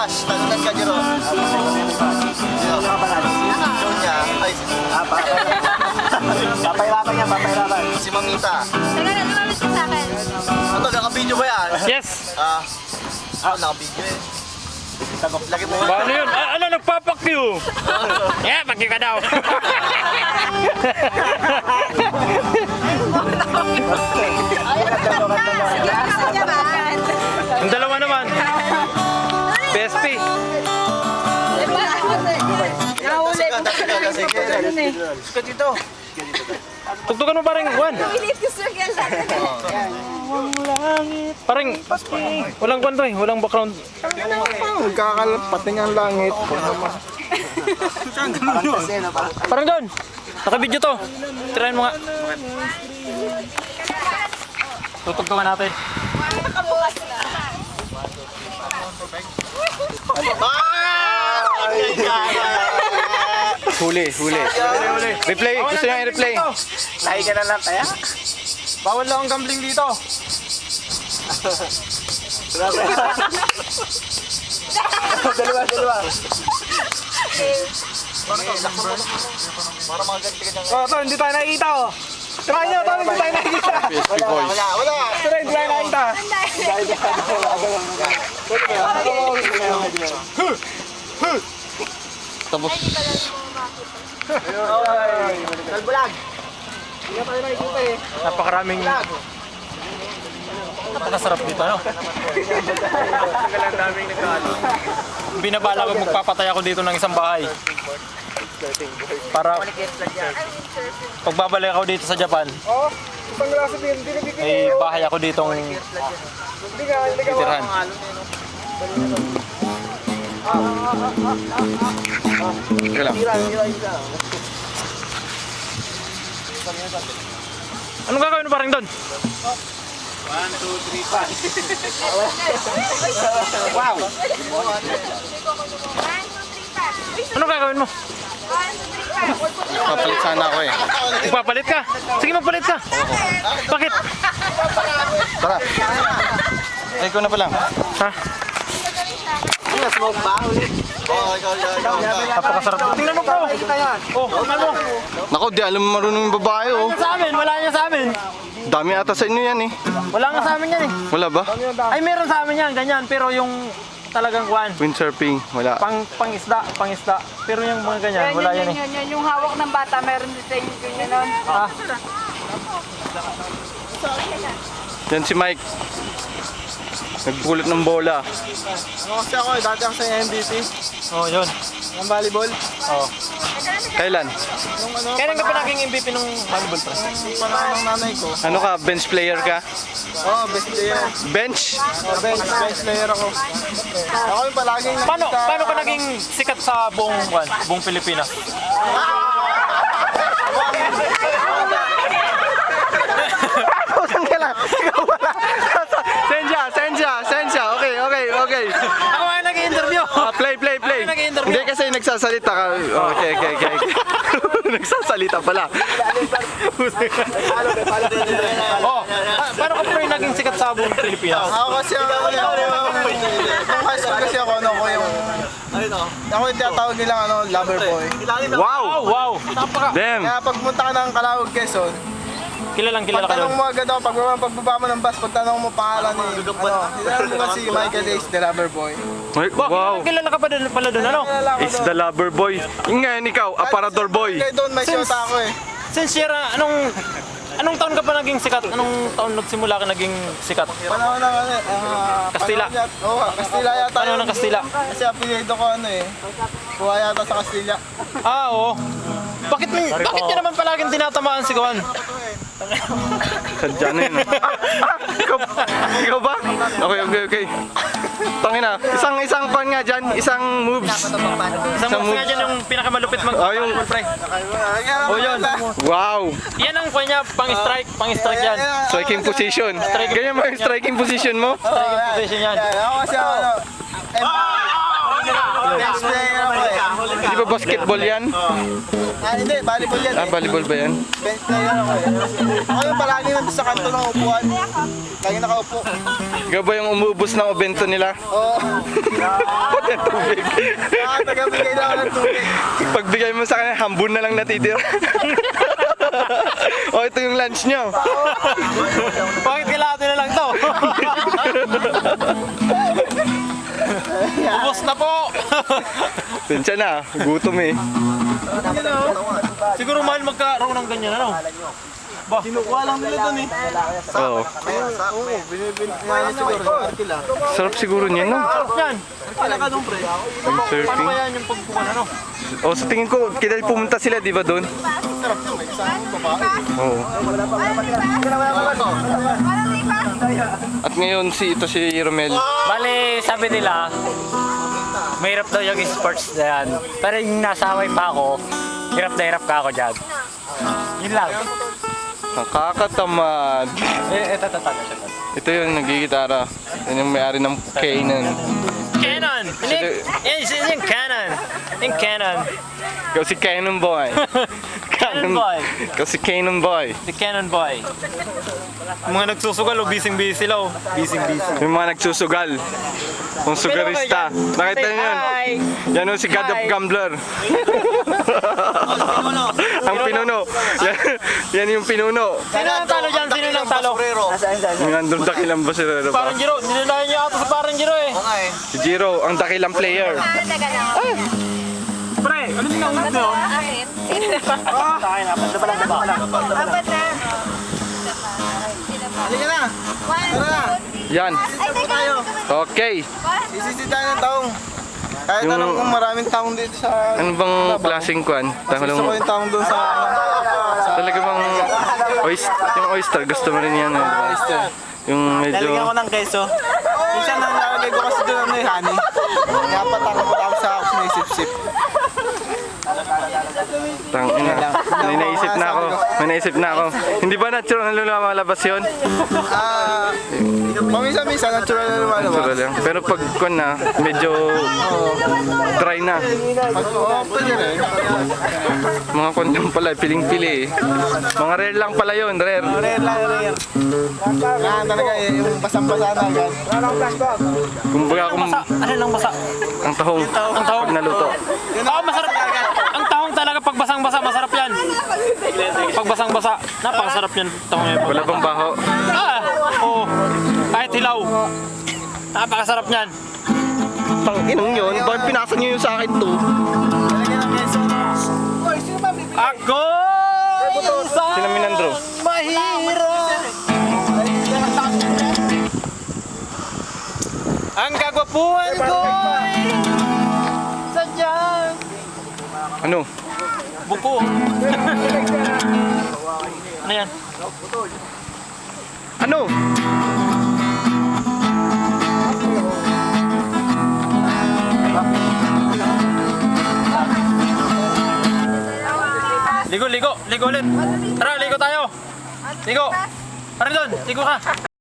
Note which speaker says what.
Speaker 1: Bash, talunan ka, Jero. Show niya. Ay,
Speaker 2: Papahirapan niya, papahirapan.
Speaker 1: si Mamita.
Speaker 3: Teka na, lumamit ka sa akin.
Speaker 1: Ano, naka-video ba yan?
Speaker 4: Yes!
Speaker 1: Naka-video eh. Lagi mo.
Speaker 4: Paano yun? Ano, nagpapakyu? Yeah, pakyu ka daw.
Speaker 3: Sige na sa Japan.
Speaker 4: Ang dalawa naman. PSP.
Speaker 3: Nahuli.
Speaker 1: Sige dito.
Speaker 4: Tugtugan mo parang Juan.
Speaker 3: Pilit ko circle lang.
Speaker 4: Parang walang kwan to eh. Walang background.
Speaker 2: Nagkakalapating ang langit.
Speaker 4: Parang doon. Naka-video to. Tirahin mo nga. Tutugtugan natin.
Speaker 3: Nakabukas na.
Speaker 2: Huli. Replay, gusto niya i-replay.
Speaker 1: Lahi ka na lang, kaya?
Speaker 4: Bawal lang ang gambling dito.
Speaker 2: Dalawa.
Speaker 1: Para magaganti ka dyan.
Speaker 2: Oh, to, hindi tayo nakikita oh. Try nyo, to, hindi tayo nakikita.
Speaker 1: Wala.
Speaker 2: Try, hindi tayo nakikita.
Speaker 4: Tapos.
Speaker 1: Kalbulag.
Speaker 4: Napakaraming. Napakasarap dito, ano? Binabala ko magpapatay ako dito ng isang bahay. Para pagbabalik ako dito sa Japan,
Speaker 2: Oh, isang grasa din.
Speaker 4: may bahay ako ditong titirhan.
Speaker 2: Teka lang.
Speaker 4: Anong gagawin mo parang doon?
Speaker 2: 1, 2, 3, 4. Wow.
Speaker 4: Anong gagawin mo?
Speaker 2: Papalit sana ako eh.
Speaker 4: Magpapalit ka? Sige, magpalit ka. Bakit?
Speaker 2: Tara. Ay, ko na pa lang.
Speaker 4: Ha?
Speaker 1: Smoke ba? Ikaw.
Speaker 4: Napakasarap. Tingnan mo, bro. Oh, tingnan mo.
Speaker 2: Nako, di alam marunong yung babae oh.
Speaker 4: Wala niya sa amin, wala niya sa amin.
Speaker 2: Dami ata sa inyo yan eh.
Speaker 4: Wala nga sa amin yan eh.
Speaker 2: Wala ba?
Speaker 4: Ay, meron sa amin yan, ganyan. Pero yung talagang kwan,
Speaker 2: Windsurfing, wala.
Speaker 4: pangisda. Pero yung mga ganyan, wala yan eh.
Speaker 3: Yan, yung hawak ng bata, meron din sa inyo ganyan nun.
Speaker 4: Ah,
Speaker 2: Yan si Mike. Nagpulot ng bola.
Speaker 1: Ano kasi ako, dati ako sa MVP.
Speaker 4: oh, yun.
Speaker 1: Ang volleyball.
Speaker 4: Oh.
Speaker 2: Kailan?
Speaker 4: Kailan ka pa naging MVP nung volleyball press?
Speaker 1: Yung panahon ng nanay ko.
Speaker 2: Ano ka? Bench player ka?
Speaker 1: Best player.
Speaker 2: Bench?
Speaker 1: Bench player ako. Ako yung palaging
Speaker 4: Paano ka naging sikat sa buong Pilipinas?
Speaker 2: Saan ka lang? Ikaw wala. Sensya. Okay.
Speaker 4: Ako nga nag-interview.
Speaker 2: Play.
Speaker 4: Ako nag-interview.
Speaker 2: Hindi kasi nagsasalita ka. Okay. Nagsasalita pala.
Speaker 4: Oh, paano ka pa rin naging sikat sa buong Pilipinas?
Speaker 1: Ako kasi ako nung high school kasi ako yung ako yung tinatawag nilang lover boy.
Speaker 2: Wow!
Speaker 4: Wow!
Speaker 2: Damn!
Speaker 1: Kaya pagpunta ka ng Calauag, Quezon,
Speaker 4: Kilala ka
Speaker 1: pagtanong
Speaker 4: doon.
Speaker 1: mo agad ako, pagbaba mo ng bus, pagtanong mo pangalan ni, hinanong mo si Michael Ace, the lover boy.
Speaker 2: Wow!
Speaker 4: Kilala ka pa doon pala doon, ano?
Speaker 2: It's the lover boy. Yung ngayon ikaw, aparador boy.
Speaker 1: Kaya doon may shota ako eh.
Speaker 4: Since year, anong taon ka pa naging sikat? Anong taon nagsimula ka naging sikat?
Speaker 1: Panahon ng
Speaker 4: Kastila.
Speaker 1: Oo, Kastila yata.
Speaker 4: Panahon ng Kastila.
Speaker 1: Kasi apelido ko kuha yata sa Kastila.
Speaker 4: Ah, oo. Bakit niya naman palaging tinatamaan si Kuan?
Speaker 2: Sadya na yun. Ikaw ba? Okay. Tangina. Isang pan nga dyan. Isang moves.
Speaker 4: Isang moves nga dyan yung pinakamalupit
Speaker 2: yung
Speaker 4: pre.
Speaker 1: Oh,
Speaker 4: yun.
Speaker 2: Wow!
Speaker 4: Yan ang kanya, pang-strike yan.
Speaker 2: Striking position. Ganyan mo yung striking position mo?
Speaker 4: Striking position yan.
Speaker 1: Ako kasi ako, bench player ako eh.
Speaker 2: Di ba basketball yan?
Speaker 1: Hindi, volleyball yan
Speaker 2: Ah, volleyball ba yan?
Speaker 1: Bench player ako eh. Ako yung palagi nandun sa kanto ng upuan. Lagi nakaupo.
Speaker 2: Ikaw ba yung umuubos ng obento nila?
Speaker 1: Oo.
Speaker 2: Ng tubig.
Speaker 1: Nakakatagabigay na ako ng tubig.
Speaker 2: Pagbigay mo sa kanya, hambun na lang natitira. O, ito yung lunch nyo.
Speaker 4: Bakit kailangan na lang to? Ubos na po!
Speaker 2: Pinsya na, gutom eh.
Speaker 4: Siguro mahal magkaroon ng ganyan, ano?
Speaker 1: Kinukuha lang nila doon eh.
Speaker 2: Oo.
Speaker 1: Oo, binibigyan siguro. Arkila.
Speaker 2: Sarap siguro niyan, no?
Speaker 4: Yan!
Speaker 1: Arkila ka doon, pre.
Speaker 4: Paano
Speaker 2: Surfing.
Speaker 4: kaya yung pagkuhan, ano?
Speaker 2: O, sa tingin ko, kailan pumunta sila, di ba doon?
Speaker 1: Sarap yun, may kasama babae.
Speaker 2: Oo.
Speaker 3: Walang lipas.
Speaker 2: At ngayon, ito si Romel.
Speaker 5: Bale, sabi nila, mahirap daw yung sports na yan. Pero yung nasa Hawaii pa ako, hirap na hirap ka ako dyan. Yun lang.
Speaker 2: Nakakatamad.
Speaker 5: Ito.
Speaker 2: Ito yung nagigitara. Yan yung may-ari ng Kanan.
Speaker 4: Canon! Yan yung Canon! Yung Canon!
Speaker 2: Ikaw si Canon Boy.
Speaker 4: Canon Boy.
Speaker 2: Ikaw si Canon Boy.
Speaker 4: The Canon Boy. Yung mga nagsusugal, busy sila, oh. Busy.
Speaker 2: Yung mga nagsusugal. Yung sugarista. Nakita niyo yun? Yan yung si God of Gambler. Ang pinuno. Yan yung pinuno.
Speaker 4: Sino ang talo dyan? Sino ang talo?
Speaker 2: Yung nandun dakilang basirero pa.
Speaker 4: Parang Giro. Nilalayan niya ata sa parang Giro, eh.
Speaker 2: Si Jiro, ang dakilang player.
Speaker 3: Teka lang.
Speaker 4: Pre, ano yung naunod mo?
Speaker 3: Akin. Apat na.
Speaker 1: Halika na.
Speaker 3: One,
Speaker 1: Tara na.
Speaker 2: Yan.
Speaker 3: Ay, teka lang.
Speaker 2: Okay.
Speaker 1: Isisita ng taong. Kahit
Speaker 2: Yung-
Speaker 1: anong maraming taong dito sa...
Speaker 2: Ano bang klaseng kwan?
Speaker 1: Gusto ko yung taong doon sa...
Speaker 2: Talaga bang yung oyster, gusto mo rin yan. Eh, di ba? Yung medyo...
Speaker 1: Lalagyan ko ng keso. Minsan nang nalagay ko kasi doon ano yung honey. Kaya patang sa ako sinisip-sip.
Speaker 2: Tangina. May naisip na ako. Hindi ba natural na lumalabas yun?
Speaker 1: Paminsan-minsan, natural na lumalabas.
Speaker 2: Natural lang. Pero pag kwan na, medyo dry na.
Speaker 1: Pwede rin.
Speaker 2: Mga kwan lang pala, piling-pili eh. Mga rare lang pala yun, rare.
Speaker 1: Rare lang, rare. Kailangan talaga yung basang-basa na agad.
Speaker 2: Kumbaga kung
Speaker 4: Ano lang basa?
Speaker 2: ang tahong pag naluto.
Speaker 4: Oo, masarap. Ang tahong talaga pag basang-basa, masarap yan. Pag basang-basa, napakasarap yan. Tahong yan.
Speaker 2: Wala bang baho?
Speaker 4: Oo. Kahit hilaw. Napakasarap yan.
Speaker 2: Tanginang yun, bakit pinasa niyo yung sa akin to?
Speaker 1: Lalagyan ng keso.
Speaker 4: Ako!
Speaker 2: Sino Minandro?
Speaker 4: Mahirap! Ang kagwapuan ko'y sadyang
Speaker 2: Ano?
Speaker 4: buko. Ano yan?
Speaker 2: Ano?
Speaker 4: Ligo ulit. Tara, ligo tayo. Ligo. Tara doon, ligo ka.